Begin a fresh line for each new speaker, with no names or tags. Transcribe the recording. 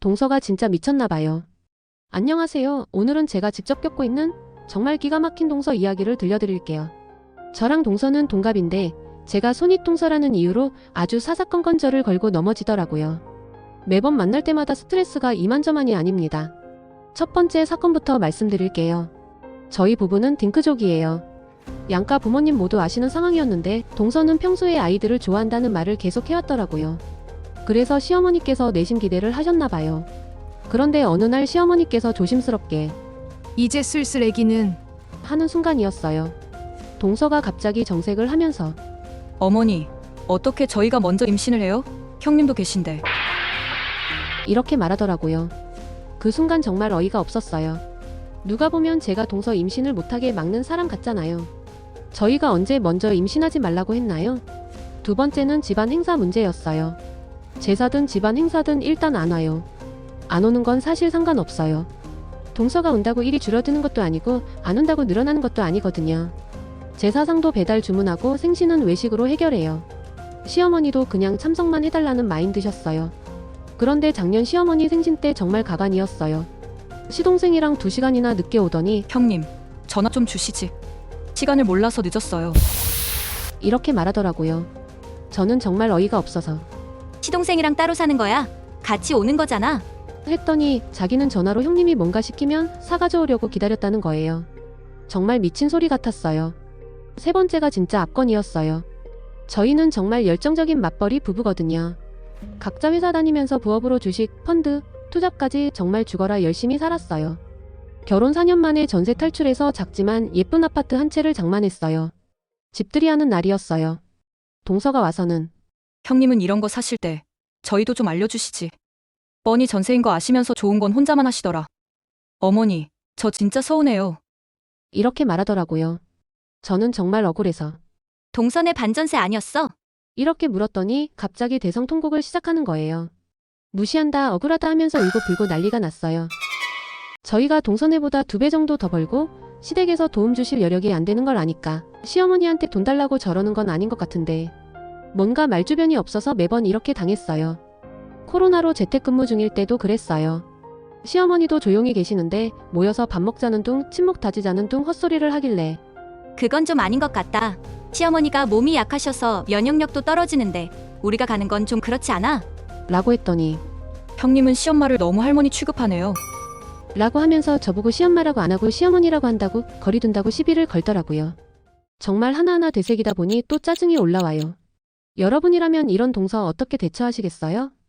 동서가 진짜 미쳤나봐요. 안녕하세요. 오늘은 제가 직접 겪고 있는 정말 기가 막힌 동서 이야기를 들려드릴게요. 저랑 동서는 동갑인데 제가 손윗동서라는 이유로 아주 사사건건 저를 걸고 넘어지더라고요. 매번 만날 때마다 스트레스가 이만저만이 아닙니다. 첫 번째 사건부터 말씀드릴게요. 저희 부부는 딩크족이에요. 양가 부모님 모두 아시는 상황이었는데 동서는 평소에 아이들을 좋아한다는 말을 계속 해왔더라고요. 그래서 시어머니께서 내심 기대를 하셨나봐요. 그런데 어느 날 시어머니께서 조심스럽게
이제 슬슬 애기는
하는 순간이었어요. 동서가 갑자기 정색을 하면서
어머니, 어떻게 저희가 먼저 임신을 해요? 형님도 계신데.
이렇게 말하더라고요. 그 순간 정말 어이가 없었어요. 누가 보면 제가 동서 임신을 못하게 막는 사람 같잖아요. 저희가 언제 먼저 임신하지 말라고 했나요? 두 번째는 집안 행사 문제였어요. 제사든 집안 행사든 일단 안 와요. 안 오는 건 사실 상관없어요. 동서가 온다고 일이 줄어드는 것도 아니고 안 온다고 늘어나는 것도 아니거든요. 제사상도 배달 주문하고 생신은 외식으로 해결해요. 시어머니도 그냥 참석만 해달라는 마인드셨어요. 그런데 작년 시어머니 생신 때 정말 가관이었어요. 시동생이랑 2시간이나 늦게 오더니
형님, 전화 좀 주시지. 시간을 몰라서 늦었어요.
이렇게 말하더라고요. 저는 정말 어이가 없어서
시동생이랑 따로 사는 거야? 같이 오는 거잖아.
했더니 자기는 전화로 형님이 뭔가 시키면 사가져오려고 기다렸다는 거예요. 정말 미친 소리 같았어요. 세 번째가 진짜 압권이었어요. 저희는 정말 열정적인 맞벌이 부부거든요. 각자 회사 다니면서 부업으로 주식, 펀드, 투자까지 정말 죽어라 열심히 살았어요. 결혼 4년 만에 전세 탈출해서 작지만 예쁜 아파트 한 채를 장만했어요. 집들이 하는 날이었어요. 동서가 와서는
형님은 이런 거 사실 때 저희도 좀 알려주시지. 뻔히 전세인 거 아시면서 좋은 건 혼자만 하시더라. 어머니, 저 진짜 서운해요.
이렇게 말하더라고요. 저는 정말 억울해서
동선의 반전세 아니었어?
이렇게 물었더니 갑자기 대성통곡을 시작하는 거예요. 무시한다, 억울하다 하면서 울고불고 난리가 났어요. 저희가 동서네보다 2배 정도 더 벌고 시댁에서 도움 주실 여력이 안 되는 걸 아니까 시어머니한테 돈 달라고 저러는 건 아닌 것 같은데 뭔가 말주변이 없어서 매번 이렇게 당했어요. 코로나로 재택근무 중일 때도 그랬어요. 시어머니도 조용히 계시는데 모여서 밥 먹자는 둥 친목 다지자는 둥 헛소리를 하길래
그건 좀 아닌 것 같다. 시어머니가 몸이 약하셔서 면역력도 떨어지는데 우리가 가는 건 좀 그렇지 않아?
라고 했더니
형님은 시엄마를 너무 할머니 취급하네요.
라고 하면서 저보고 시엄마라고 안 하고 시어머니라고 한다고 거리둔다고 시비를 걸더라고요. 정말 하나하나 되새기다 보니 또 짜증이 올라와요. 여러분이라면 이런 동서 어떻게 대처하시겠어요?